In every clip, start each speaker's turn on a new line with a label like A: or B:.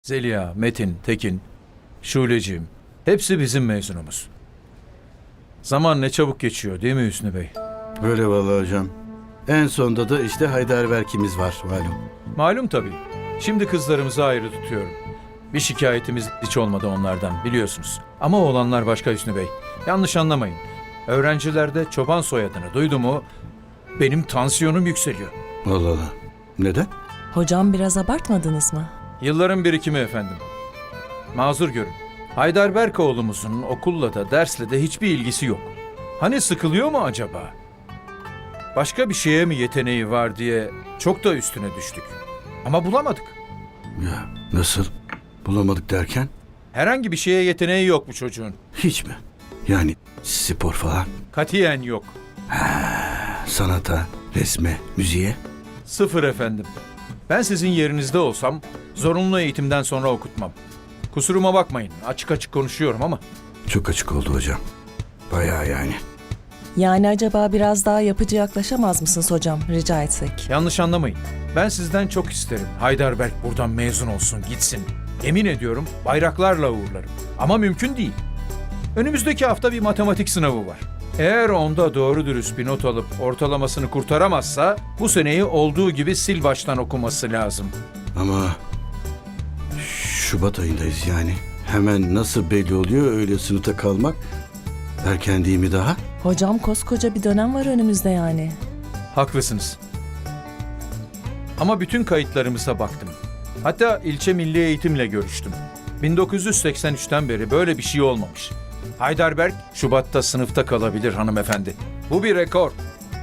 A: Zeliha, Metin, Tekin, Şuleciğim. Hepsi bizim mezunumuz. Zaman ne çabuk geçiyor değil mi Hüsnü Bey?
B: Öyle vallahi hocam. En sonda da işte Heidelberg'imiz var malum.
A: Malum tabii. Şimdi kızlarımızı ayrı tutuyorum. Bir şikayetimiz hiç olmadı onlardan biliyorsunuz. Ama oğlanlar başka Hüsnü Bey. Yanlış anlamayın. Öğrencilerde çoban soyadını duydu mu benim tansiyonum yükseliyor.
B: Allah Allah. Neden?
C: Hocam biraz abartmadınız mı?
A: Yılların birikimi efendim. Mazur görün. Heidelberg oğlumuzun okulla da dersle de hiçbir ilgisi yok. Hani sıkılıyor mu acaba? Başka bir şeye mi yeteneği var diye çok da üstüne düştük. Ama bulamadık.
B: Ya nasıl? Bulamadık derken?
A: Herhangi bir şeye yeteneği yok bu çocuğun.
B: Hiç mi? Yani spor falan,
A: Katiyen yok.
B: sanata, resme, müziğe?
A: Sıfır efendim. Ben sizin yerinizde olsam zorunlu eğitimden sonra okutmam. Kusuruma bakmayın. Açık açık konuşuyorum ama.
B: Çok açık oldu hocam. Bayağı yani.
C: Yani acaba biraz daha yapıcı yaklaşamaz mısınız hocam rica etsek?
A: Yanlış anlamayın. Ben sizden çok isterim. Heidelberg buradan mezun olsun, gitsin. Emin ediyorum bayraklarla uğurlarım. Ama mümkün değil. Önümüzdeki hafta bir matematik sınavı var. Eğer onda doğru dürüst bir not alıp ortalamasını kurtaramazsa bu seneyi olduğu gibi sil baştan okuması lazım.
B: Ama Şubat ayındayız yani. Hemen nasıl belli oluyor öyle sınıfta kalmak? Erken değil mi daha?
C: Hocam koskoca bir dönem var önümüzde yani.
A: Haklısınız. Ama bütün kayıtlarımıza baktım. Hatta ilçe milli eğitimle görüştüm. 1983'ten beri böyle bir şey olmamış. Heidelberg Şubat'ta sınıfta kalabilir hanımefendi. Bu bir rekor.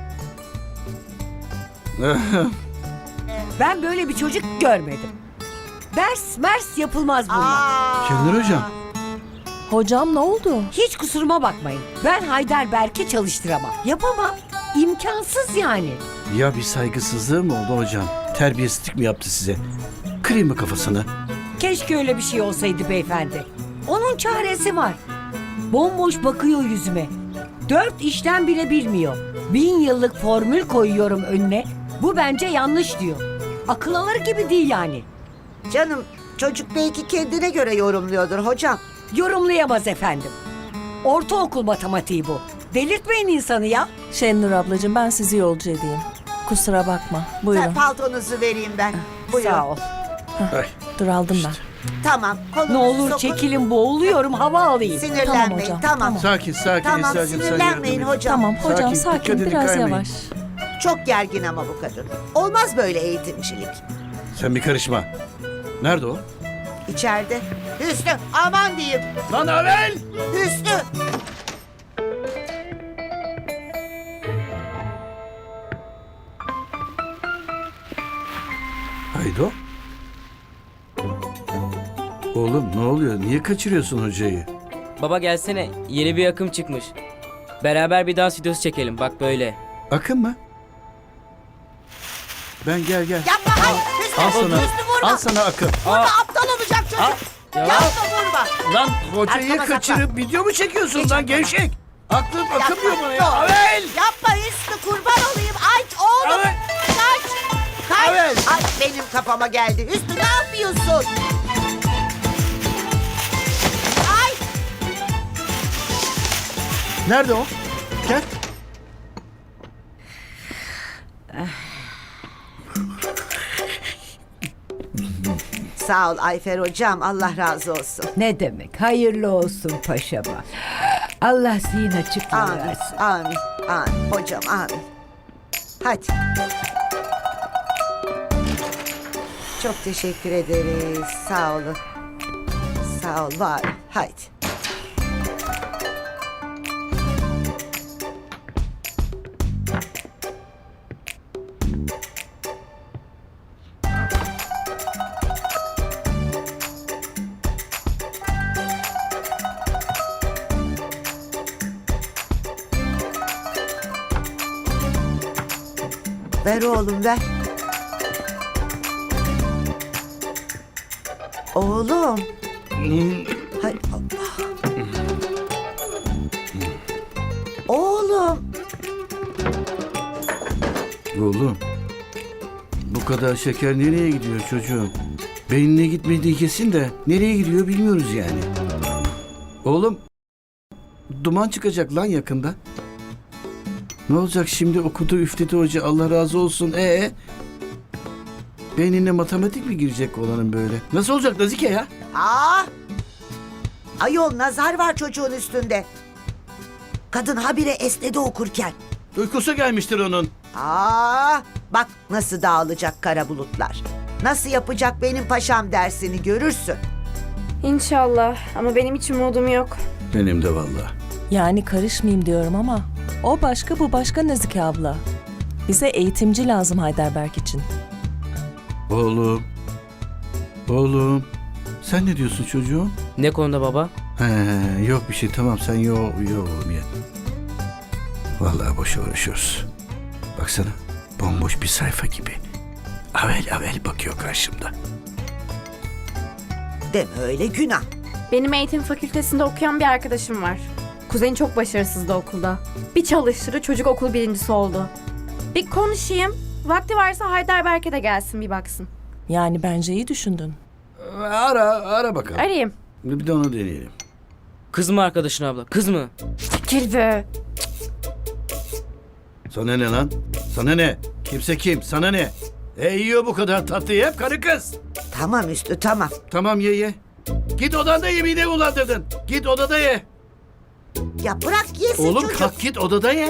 D: Ben böyle bir çocuk görmedim. Mers yapılmaz bunlar.
B: Kendin hocam.
C: Hocam ne oldu?
D: Hiç kusuruma bakmayın. Ben Heidelberg'e çalıştıramam. Yapamam. İmkansız yani.
B: Ya bir saygısızlığı mı oldu hocam? Terbiyesizlik mi yaptı size? Kırayım mı kafasını?
D: Keşke öyle bir şey olsaydı beyefendi. Onun çaresi var. Bomboş bakıyor yüzüme. 4 işlem bile bilmiyor. 1000 yıllık formül koyuyorum önüne. Bu bence yanlış diyor. Akıl alır gibi değil yani.
E: Canım çocuk belki kendine göre yorumluyordur hocam.
D: Yorumlayamaz efendim. Ortaokul matematiği bu. Delirtmeyin insanı ya.
C: Şenur ablacığım ben sizi yolcu edeyim. Kusura bakma. Buyurun.
E: Sen paltonuzu vereyim ben. Buyurun.
D: Sağ ol.
C: Dur aldım ben.
E: Tamam. Kolunuzu
D: Ne olur
E: sokun.
D: çekilin, boğuluyorum, hava alayım.
E: Sinirlenmeyin.
C: Tamam hocam,
E: Tamam.
B: Sakin sakin.
E: Tamam,
B: Esra'cığım, sen
E: sinirlenmeyin
B: yardım et.
E: hocam.
C: Tamam hocam
B: Sakin,
C: sakin,
B: dikkatini
C: biraz
B: kaymayın.
C: yavaş.
E: Çok gergin ama bu kadın. Olmaz böyle eğitimcilik.
B: Sen bir karışma. Nerede o?
E: İçeride. Hüsnü aman diyeyim.
B: Lan Avel!
E: Hüsnü.
B: Haydo. Oğlum ne oluyor? Niye kaçırıyorsun hocayı?
F: Baba gelsene. Yeni bir akım çıkmış. Beraber bir dans videosu çekelim. Bak böyle.
B: Akın mı? Ben gel.
E: Yapma hayır. Hüsnü.
B: Al sana.
E: Hüsnü vurma.
B: Al sana akın.
E: Aptal olacak çocuk. Yapma vurma.
B: Lan hocayı
E: Arkama
B: kaçırıp video mu çekiyorsun
E: Geç
B: lan
E: arkama.
B: gevşek? Aklım akımıyor bana ya.
E: Dur.
B: Avel!
E: Yapma Hüsnü kurban olayım. Ay oğlum.
B: Avel!
E: Kaç. Kaç.
B: Avel!
E: Ay benim kafama geldi. Hüsnü ne yapıyorsun? Ay.
B: Nerede o? Gel.
E: Sağ ol Ayfer hocam. Allah razı olsun.
G: Ne demek? Hayırlı olsun paşama. Allah zihin açıklığı
E: Amin.
G: versin.
E: Amin. Amin. Hocam amin. Hadi. Çok teşekkür ederiz. Sağ olun. Sağ ol var. olun. Haydi. Ver oğlum ver. Oğlum. Hay Allah. Oğlum.
B: Oğlum. Bu kadar şeker nereye gidiyor çocuğum? Beynine gitmediği kesin de nereye gidiyor bilmiyoruz yani. Oğlum, duman çıkacak lan yakında. Ne olacak şimdi, okudu üfledi hoca, Allah razı olsun. Beynine matematik mi girecek olanın böyle? Nasıl olacak Nazike ya?
E: Aa! Ayol nazar var çocuğun üstünde. Kadın habire esnedi okurken.
B: Uykusu gelmiştir onun.
E: Aa! Bak nasıl dağılacak kara bulutlar. Nasıl yapacak benim paşam dersini görürsün.
H: İnşallah ama benim hiç umudum yok.
B: Benim de vallahi.
C: Yani karışmayayım diyorum ama o başka bu başka Nazike abla. Bize eğitimci lazım Heidelberg için.
B: Oğlum. Sen ne diyorsun çocuğum?
F: Ne konuda baba?
B: Yok bir şey, tamam sen yo oğlum ye. Vallahi boş uğraşıyoruz. Baksana, bomboş bir sayfa gibi. Avel bakıyor karşımda.
E: Deme öyle günah.
H: Benim eğitim fakültesinde okuyan bir arkadaşım var. Kuzeni çok başarısızdı okulda. Bir çalıştırı çocuk okul birincisi oldu. Bir konuşayım. Vakti varsa Heidelberg'e de gelsin bir baksın.
C: Yani bence iyi düşündün.
B: Ara bakalım.
H: Arayayım.
B: Bir de onu deneyelim.
F: Kız mı arkadaşın abla? Kız mı?
H: Çekil be.
B: Sana ne lan? Sana ne? Kimse kim? Sana ne? Yiyor bu kadar tatlıyı hep karı kız.
E: Tamam Üstü tamam.
B: Tamam ye. Git odanda ye, midemi bulandırdın. Git odada ye.
E: Ya bırak yesin
B: Oğlum
E: çocuk.
B: kalk git odada ye.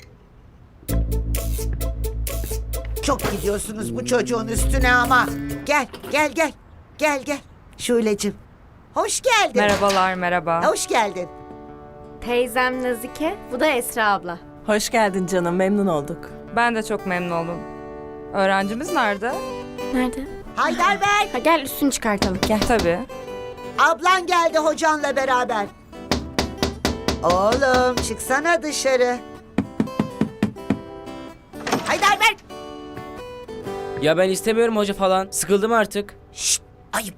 E: Çok gidiyorsunuz bu çocuğun üstüne ama. Gel. Şule'cim. Hoş geldin.
I: Merhabalar, merhaba.
E: Hoş geldin.
H: Teyzem Nazike, bu da Esra abla.
C: Hoş geldin canım, memnun olduk.
I: Ben de çok memnun oldum. Öğrencimiz nerede?
H: Nerede?
E: Heidelberg.
H: Ha, gel üstünü çıkartalım.
I: Tabii.
E: Ablan geldi hocanla beraber. Oğlum çıksana dışarı. Heidelberg.
F: Ya ben istemiyorum hoca falan. Sıkıldım artık.
E: Şşt ayıp.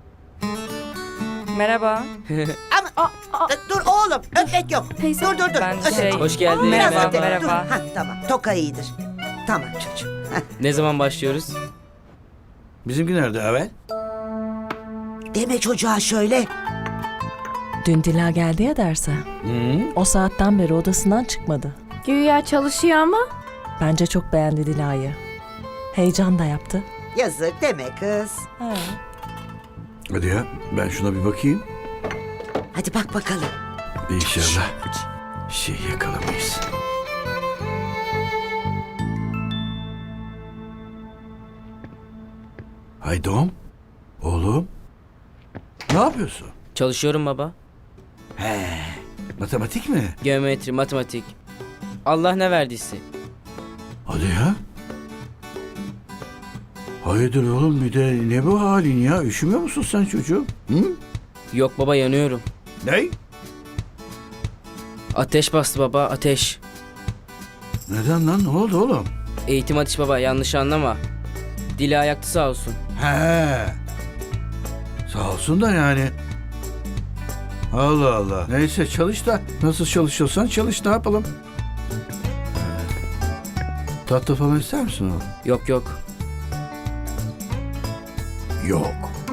I: Merhaba.
E: Ama dur oğlum öpmek yok.
H: Teyze.
E: Dur.
I: Ben
E: Öpmek
I: şey-
E: yok.
F: Hoş geldin.
E: Biraz
I: Merhaba,
E: öpek.
I: merhaba.
E: Dur. Ha, tamam toka iyidir. Tamam çocuğum.
F: Ne zaman başlıyoruz?
B: Bizimki nerede Avel?
E: Deme çocuğa şöyle.
C: Dün Dila geldi ya derse. O saatten beri odasından çıkmadı.
H: Güya çalışıyor ama.
C: Bence çok beğendi Dila'yı. Heyecan da yaptı.
E: Yazık deme kız.
C: He.
B: Hadi ya, ben şuna bir bakayım.
E: Hadi bak bakalım.
B: İnşallah şey yakalamayız. Haydom, oğlum. Ne yapıyorsun?
F: Çalışıyorum baba.
B: Matematik mi?
F: Geometri, matematik. Allah ne verdiyse.
B: Hadi ya. Hayırdır oğlum, bir de ne bu halin ya? Üşümüyor musun sen çocuğum? Hı?
F: Yok baba yanıyorum.
B: Ne?
F: Ateş bastı baba, ateş.
B: Neden lan? Ne oldu oğlum?
F: Eğitim ateş baba, yanlış anlama. Dili ayaktı sağ olsun.
B: He. Sağ olsun da yani. Allah Allah. Neyse çalış da. Nasıl çalışıyorsan çalış, ne yapalım? Tatlı falan ister misin oğlum?
F: Yok.
B: Yok.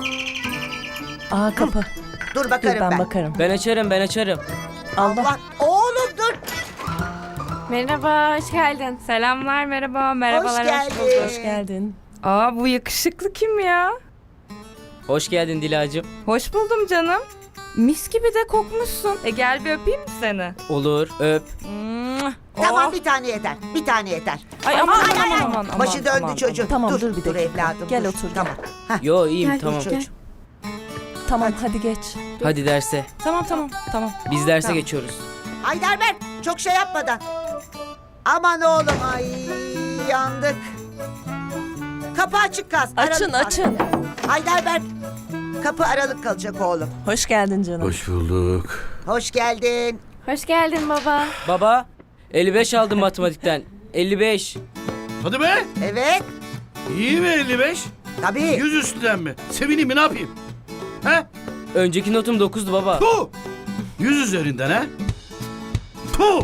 C: Aa kapı.
E: Dur
C: Dur
E: bakarım
C: ben
E: ben.
C: bakarım.
F: Ben açarım.
C: Allah.
E: Allah. Oğlum dur.
H: Merhaba, hoş geldin.
I: Selamlar, merhaba, merhabalar.
E: Hoş geldin.
C: Hoş geldin.
I: Aa, bu yakışıklı kim ya?
F: Hoş geldin Dilacığım.
I: Hoş buldum canım. Mis gibi de kokmuşsun. Gel bir öpeyim mi seni?
F: Olur, öp.
E: Tamam
I: Oh.
E: bir tane yeter. Bir tane yeter.
I: Ay aman
E: Ay.
I: aman.
E: Başı döndü
I: aman.
E: çocuğum.
C: Tamam,
E: dur,
C: dur bir dakika.
E: evladım.
C: Gel
E: dur.
C: otur,
E: Tamam.
F: Yo iyiyim
H: Gel,
F: tamam.
H: gel.
C: Tamam hadi geç.
F: Hadi derse.
I: Tamam.
F: Biz derse
I: Tamam.
F: geçiyoruz.
E: Heidelberg çok şey yapmadan. Aman oğlum ay yandık. Kapı açık kaz.
C: Açın
E: aralık
C: açın.
E: kal. Heidelberg kapı aralık kalacak oğlum.
C: Hoş geldin canım.
B: Hoş bulduk.
E: Hoş geldin.
H: Hoş geldin baba.
F: Baba 55 aldım matematikten. 55.
B: Hadi be.
E: Evet
B: İyi mi 55?
E: tabii.
B: 100 üstünden mi? Sevineyim mi, ne yapayım? He?
F: Önceki notum 9'du baba.
B: Puh! 100 üzerinden ha? Puh!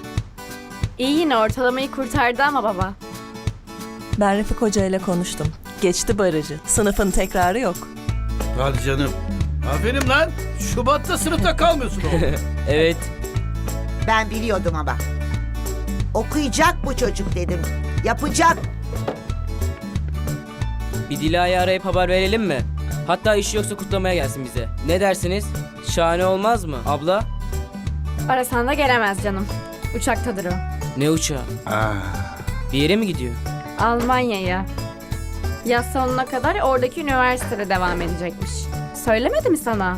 H: İyi yine ortalamayı kurtardı ama baba.
C: Ben Refik Hoca ile konuştum. Geçti barajı. Sınıfın tekrarı yok.
B: Hadi canım. Aferin lan. Şubat'ta sınıfta kalmıyorsun oğlum.
F: Evet.
E: Ben biliyordum ama. Okuyacak bu çocuk dedim. Yapacak.
F: Bir Dila'yı arayıp haber verelim mi? Hatta işi yoksa kutlamaya gelsin bize. Ne dersiniz? Şahane olmaz mı abla?
H: Arasan da gelemez canım. Uçaktadır o.
F: Ne uçağı? Bir yere mi gidiyor?
H: Almanya'ya. Yaz sonuna kadar oradaki üniversitede devam edecekmiş. Söylemedi mi sana?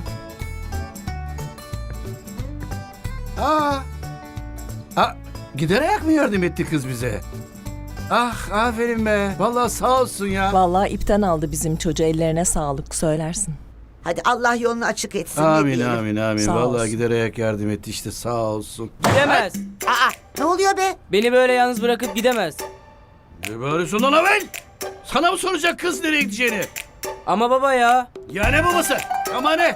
B: Gider ayak mı yardım etti kız bize? Ah aferin be. Vallahi sağ olsun ya.
C: Vallahi ipten aldı bizim çocuğu, ellerine sağlık söylersin.
E: Hadi Allah yolunu açık etsin. ne
B: Amin
E: diyelim.
B: amin amin.
C: Sağ
B: Vallahi
C: olsun.
B: gider ayak yardım etti işte sağ olsun.
F: Gidemez.
E: Aa, ne oluyor be?
F: Beni böyle yalnız bırakıp gidemez.
B: Ne bağırıyorsun lan Avel? Sana mı soracak kız nereye gideceğini?
F: Ama baba ya.
B: Ya ne babası? Ama ne?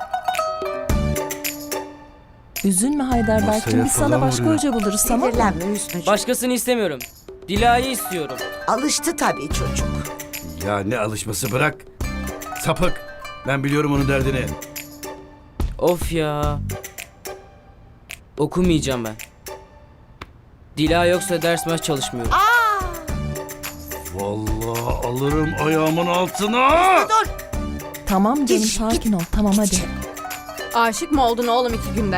C: Üzülme Heidelberg'cim,
B: Masaya
C: biz sana
B: falan
C: başka
B: vuruyor.
C: hoca buluruz, tamam mı?
E: Sinirlenme Hüsnü'cüğüm.
F: Başkasını istemiyorum. Dila'yı istiyorum.
E: Alıştı tabii çocuk.
B: Ya ne alışması bırak. Sapık. Ben biliyorum onun derdini.
F: Of ya. Okumayacağım ben. Dila yoksa ders maç çalışmıyorum.
B: Vallahi alırım ayağımın altına.
E: Dur.
C: Tamam canım,
E: Git,
C: sakin ol. Tamam hadi.
H: Aşık mı oldun oğlum 2 günde?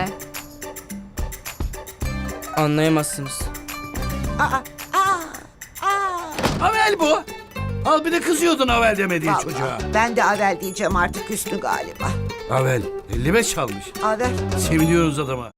F: Anlayamazsınız.
B: Avel bu. Al bir de kızıyordun Avel demediği
E: Vallahi,
B: çocuğa.
E: ben de Avel diyeceğim artık Hüsnü galiba.
B: Avel 55 almış.
E: Avel.
B: Seviniyoruz adama.